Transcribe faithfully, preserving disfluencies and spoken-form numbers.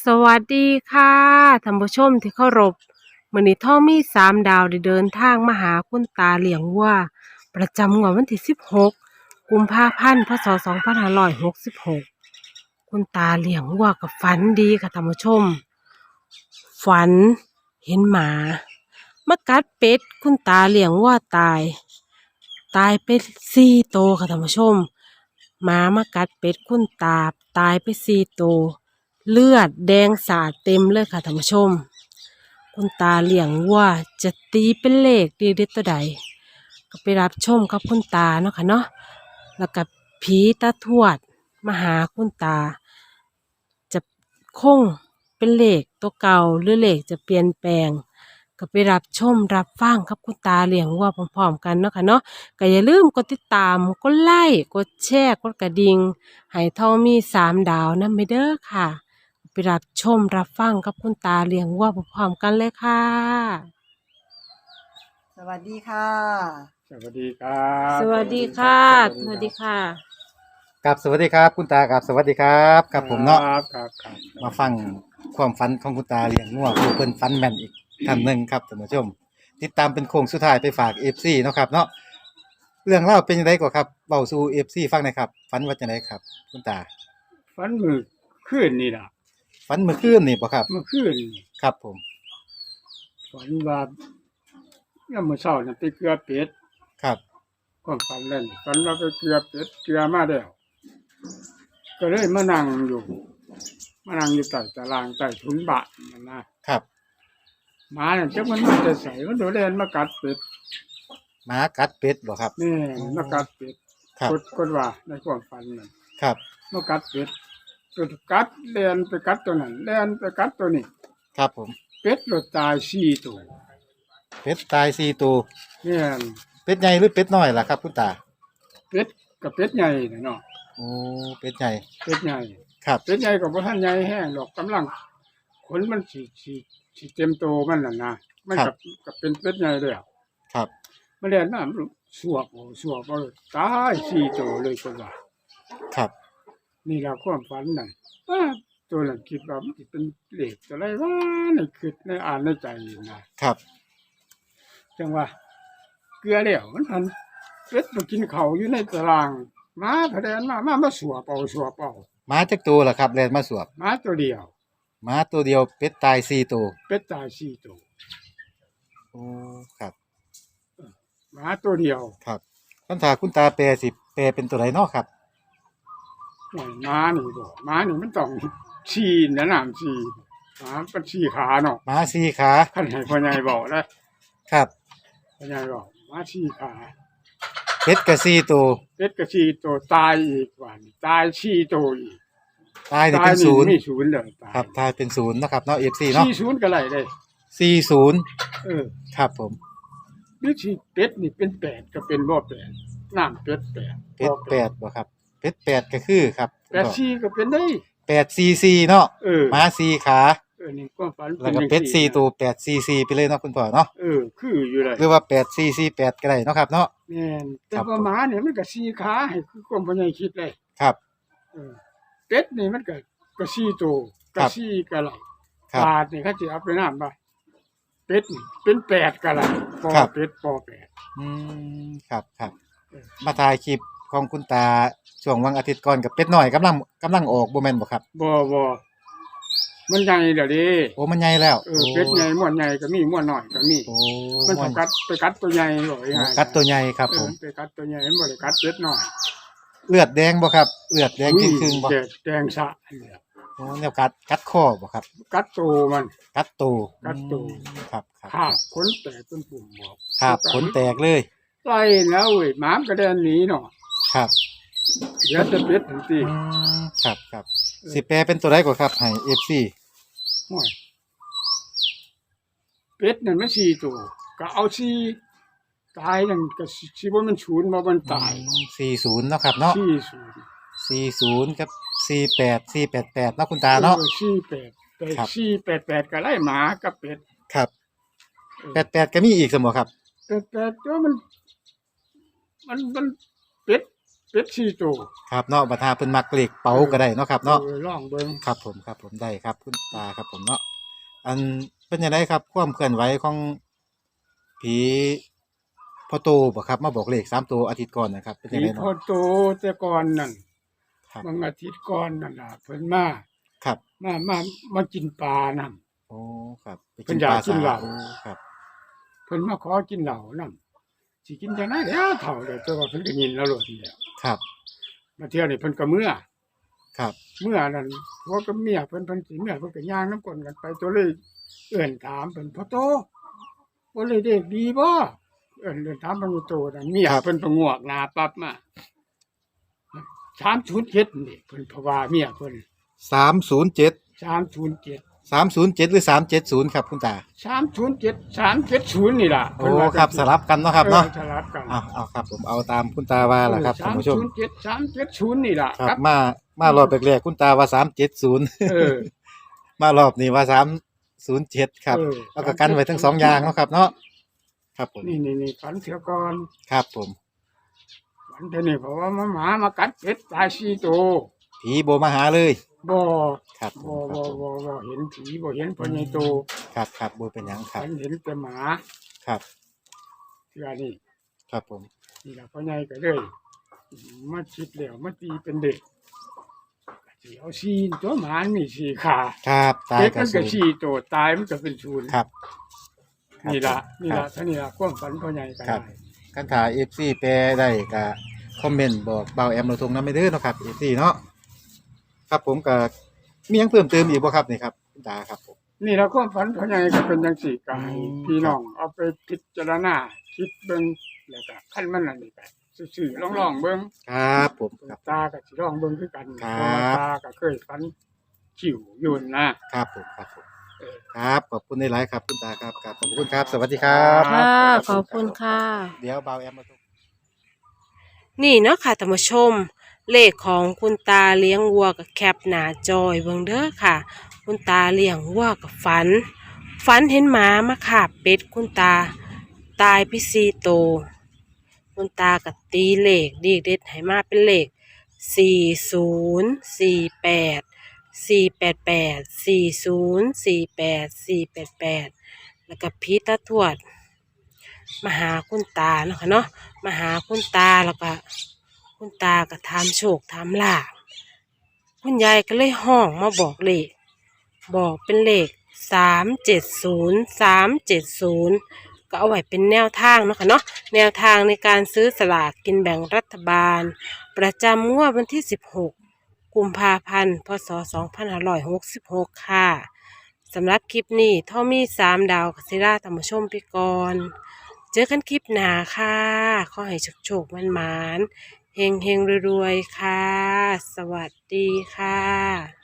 สวัสดีค่ะท่านผู้ชมที่เคารพมื้อนี้ท่อมีสามดาวได้เดินทางมาหาคุณตาเลี้ยงวัวประจำงวดวันที่สิบหกกุมภาพันธ์พศสองพันห้าร้อยหกสิบหกคุณตาเลี้ยงวัวกับฝันดีค่ะท่านผู้ชมฝันเห็นหมามากัดเป็ดคุณตาเลี้ยงวัวตายตายไปสี่ตัวค่ะท่านผู้ชมหมามากัดเป็ดคุณตาตายไปสี่ตัว เลือดแดงสาดเต็มเลยค่ะท่านผู้ชมคุณตาเลี้ยงวัวจะตีเป็นเลขดีเด็ดตัวใดก็ไปรับชมกับคุณตาเนาะค่ะเนาะแล้วกับผีตาทวดมาหาคุณตาจะคงเป็นเลขตัวเก่าหรือเลขจะเปลี่ยนแปลงก็ไปรับชมรับฟังกับคุณตาเลี้ยงวัวพร้อมๆกันเนาะค่ะเนาะก็อย่าลืมกดติดตามกดไลค์กดแชร์กดกระดิ่งให้ทองมีสามดาวนั่นไปเด้อค่ะ ไปรับชมรับฟังกับคุณตาเลี้ยงวัวพร้อมๆกันเลยค่ะสวัสดีค่ะสวัสดีครับสวัสดีค่ะสสวัวัสสดีดีคค่ะกับสวัสดีครับคุณตากับสวัสดีครับรักับผมเนาะครับครับครับมาฟังความฝันของคุณตาเลี้ยงงัวผู้เพิ่นฝันแม่นอีกท่านหนึ่งครับท่านผู้ชม ติดตามเป็นโค้งสุดท้ายไปฝาก เอฟ ซี เนาะครับเนาะเรื่องเล่าวเป็นยังไงก่อนครับเบาสู่ เอฟ ซี ฟังหน่อยครับฝันว่าจังไดครับ คุณตาฝันมือคืนนี่ล่ะฝันเมื่อคืนนี่บ่ครับเมื่อคืนนี่ครับผมฝันว่าเนี่ยามมื่อเช้าน่ะไปเกลือเป็ดครับความฝันเล่นฝันว่าไปเกลือเป็ดเกลือมาแล้วก็เลยมานั่งอยู่มานั่งอยู่ใต้ตารางใต้ถุนบ้านนั่นนะครับ หมาเนี่ยจักมันมาจะใส่มันโดดเล่นมากัดเป็ดหมากัดเป็ดบ่ครับนี่มากัดเป็ดครับกดกดว่าในความฝันนั่นครับมากัดเป็ดตัวกัดเล่นไปกัดตัวนั้นเล่นไปกัดตัวนี้ครับผมเป็ดหลุดตายสี่ตัวเป็ดตายสี่ตัวเนี่ยเป็ดใหญ่หรือเป็ดน้อยล่ะครับคุณตาเป็ดกับเป็ดใหญ่น่ะเนาะโอ้เป็ดใหญ่เป็ดใหญ่ครับเป็ดใหญ่กับบ่ทันใหญ่แห้งดอกกำลังขนมันสิสิสิเต็มโตมันน่ะนะมันกับกับเป็นเป็ดใหญ่เลยอะครับมันเรียนน้ำสวบเอาสวบเอาตายสี่ตัวเลยตัวว่าครับนี่ล่ะความฝันนั่นอ้าตัวนั้นคิดว่ามันสิเป็นเลขอะไรวะในคิดในอ่านในใจนะครับ จังว่า เกลือแล้วมันพันเป็ดมากินเขาวอยู่ในตารางหมาพะแดนมามามาสวบเอาสวบเอาหมาจักตัวล่ะครับแล่นมาสวบหมาตัวเดียวหมาตัวเดียวเป็ดตายสี่ตัวเป็ดตายสี่ตัวโอ้ครับหมาตัวเดียวครับคำถามคุณตาแปลสิแปลเป็นตัวไหนเนาะครับหน่อยหมานี่บ่หมานี่มันต้องชีนะน้ำชีหมาเป็นชีขาเนาะหมาสี่ขาคันให้พ่อใหญ่บอกนะครับ พ่อใหญ่บอกหมาชีขาเป็ดกับสี่ตัวเป็ดก็ชีตัวตายอีกว่านี่ตายชีตัวอีกตายนี่ตายเป็นนี่ศูนย์มีศูนย์เลยตายครับตายเป็นศูนย์เนาะครับเนาะเอฟซีเนาะชีศูนย์ก็ไรได้สี่ศูนย์เออครับผมหรือชีเป็ดนี่เป็นแปดก็เป็นบ่แปดน้ำเป็ดแปดเป็ดบ่แปดบ่ครับเป็ดแปดก็คือครับแปดชีก็เป็นได้แปดซีซีเนาะเออหมาสี่ขาเออนี่ความฝันแล้วก็จังเป็ดซี่สี่ตัวแปดซีซีไปเลยเนาะคุณพ่อเนาะเออคืออยู่เลยหรือว่าแปดซีซีแปดก็ได้เนาะครับเนาะแม่นแต่ครับว่าหมาเนี่ยมันก็สี่ขาให้คือความพ่อใหญ่คิดเลยครับเออเป็ดนี่มันก็ก็สี่ตัวครัก็บสี่ก็ไหลครับบาทนี่เขาจะเอาไปน้ำบ่เป็ดนี่เป็นแปดก็ไหลปอครับเป็ดปอแปดอืมครับครับเออมาถ่ายคลิปของคุณตาช่วงวันอาทิตย์ก่อนกับเป็ดน้อยกำลังกำลังออกบ่แม่นบ่ครับบ่บ่มันใหญ่เดี๋ยวนี้โอ้มันใหญ่แล้วเออเป็ดใหญ่ม้วนใหญ่ก็มีม้วนน้อยก็มีโอ้มันม่ไปวนกัดไปกัดตัวใหญ่บ่อีห่ากัดตัวใหญ่ครับเอผอมไปกัดตัวใหญ่มันบ่ได้กัดเป็ดน้อยเลือดแดงบ่ครับเลือดแดงจริงครึ่งบ่แดงแดงสะเนี่ยโอ้แนวกัดกัดคอบ่ครับกัดตัวมันกัดตูกัดตูอืมครับครับขาบขนแตกเป็นปุ่มบอกครับขนแตกเลยไล่แล้วเว้ยหมามนก็เดินหนีเนาะครับเดี๋ยวจะเป็ดทันทีอืมครับครับสิแปลเป็นตัวใดก่อนครับให้ เอฟ ซีโอ้ยเป็ดนั่นมันสี่ตัวก็เอาสี่ตายนั่นก็สิบ่มันศูนย์บ่มันตายสี่ศูนย์เนาะครับเนาะสี่ศูนย์สี่ศูนย์กับสี่แปด สี่แปดแปดเนาะคุณตาเนาะออสี่แปดแต่ครับสี่แปดแปดก็ไล่หมากับเป็ดครับเออแปดแปดก็มีอีกเสมอครับแต่แต่ตัวมัน มันมันเป็ดเป็ดสี่ตัวครับเนาะบัดหาเพิ่นมักเลขเป๋าก็ได้เนาะครับเนาะออลองเบิ่งครับผมครับผมได้ครับคุณตาครับผมเนาะอันเป็นยังไงครับความเคลื่อนไหวของผีพ่อโตบ่ครับมาบอกเลขสามตัวอาทิตย์ก่อนนะครับเป็นยังผีไงพอเนาะโตแต่ก่อนนั่นครับบางอาทิตย์ก่อนนั่นล่ะเพิ่นมาครับมามามากินปลานํโอ้ครับไปเพิ่นอยากกินเหล้าโอ้ครับเพิ่นมาขอกินเหล้านํสิกินจังได๋แล้วเฒ่าแล้วแต่ว่าเพิ่นก็ยินแล้วโลดนี่แหละครับมาเที่ยวนี่เพิ่นก็เมื่อครับเมื่อนั้นผัวกับเมียเพิ่นเพิ่นสิเมื่อเพิ่นก็ย่างน้ำกลนกันไปตัวเลยเอื้อนถามเพิ่นพ่อโตบ่เลยเด็กดีบ่เอื้อนเดินถามเพิ่นอยู่โตนั่นเมียเพิ่นก็งวกหน้าปั๊บมาสามศูนย์เจ็ดนี่เพิ่นเพราะว่าเมียเพิ่นสามศูนย์เจ็ดสามศูนย์เจ็ดสามศูนย์เจ็ดหรือสามเจ็ดศูนย์ครับคุณตาสามศูนย์เจ็ด สามเจ็ดศูนย์นี่ล่ะโอ้ครับสลับกันเนาะครับเนาะออสลับกันเอาเอาครับผมเอาตามคุณตาว่าล่ะครับท่านผู้ชมสามศูนย์เจ็ด สามเจ็ดศูนย์นี่ล่ะครับมามารอบแรกๆคุณตาว่าสามเจ็ดศูนย์เออมารอบนี้ว่าสามศูนย์เจ็ดครับเออแล้วก็กันไว้ทั้งสองอย่างเนาะครับเนาะครับผมนี่นี่นี่ฝันเสียก่อนครับผมฝันเท่านี้เพราะว่ามาหมามากัดเป็ดตายสี่ตัวผีโบมาหาเลยบ่ครับผบ่มครับ่บผมบ่บ่เห็นผีบ่เห็นพ่อใหญ่โตครับครับโบเป็นหยังครับฉันเห็นแต่หมาครับเทื่อนี่ครับผมนี่ล่ะพ่อใหญ่ก็เลยมาคิดแล้วมาตีเป็นเด็กสิเอาสี่ตัวหมามันมีสี่ขาครับตายเป็ดกระมันสุก็นสี่ตัวตายมันก็เป็นศูนย์ครับนี่ล่ะนี่ครัล่ะบเท่านี้ล่ะความฝันพ่อใหญ่ก็ครัได้บ คันถ่ายเอฟซีแปลได้ก็คอมเมนต์บอกเบาแอมเราทงน้ำไม่เด้อเนาะครับเอฟซีเนาะครับผมก็มีหยังเพิ่มเติมอีกบ่ครับนี่ครับคุณตาครับผมนี่ล่ะความฝันพ่อใหญ่ก็เป็นจังซี่ก็ให้อืมพี่น้องเอาไปพิจารณาคิดเบิ่งแล้วก็คันมันนั่นนี่ก็ซื่อๆลองๆเบิ่งครับผมครับตาก็สิลองเบิ่งคือกันครับเพราะว่าตาก็เคยฝันขิวอยู่นะครับผมครับผมเออครับขอบคุณในไลฟ์ครับคุณตาครับครับขอบคุณครับ สวัสดีครับครับค่ะขอบคุณค่ะเดี๋ยวเบาแอมมาทงนี่เนาะค่ะท่านผู้ชม เลขของคุณตาเลี้ยงวัวกับแคปหน้าจอยเบิ่งเด้อค่ะ คุณตาเลี้ยงวัวกับฝัน ฝันเห็นหมามาคาบเป็ดคุณตาตายพิซีโตวคุณตากับตีเลขดีเด็ดให้มาเป็นเลขสี่ศูนย์สี่แปดสี่แปดแปดสี่ศูนย์สี่แปดสี่แปดแปดแล้วก็พีตาทวดมาหาคุณตาเนาะค่ะเนาะมาหาคุณตาแล้วก็คุณตาก็ทำโชคทำลาภคุณยายก็เลยห้องมาบอกเลข บอกเป็นเลขสามเจ็ดศูนย์สามเจ็ดศูนย์ก็เอาไว้เป็นแนวทางเนาะค่ะเนาะแนวทางในการซื้อสลากกินแบ่งรัฐบาล ประจำงวดวันที่สิบหกกุมภาพันธ์พศสองพันห้าร้อยหกสิบหกค่ะสำหรับคลิปนี้ท่อมีสามดาวกัสิราธรรมชมไปก่อนเจอกันคลิปหน้าค่ะขอให้โชคๆมันมานๆเฮงเฮงๆรวยๆค่ะ สวัสดีค่ะ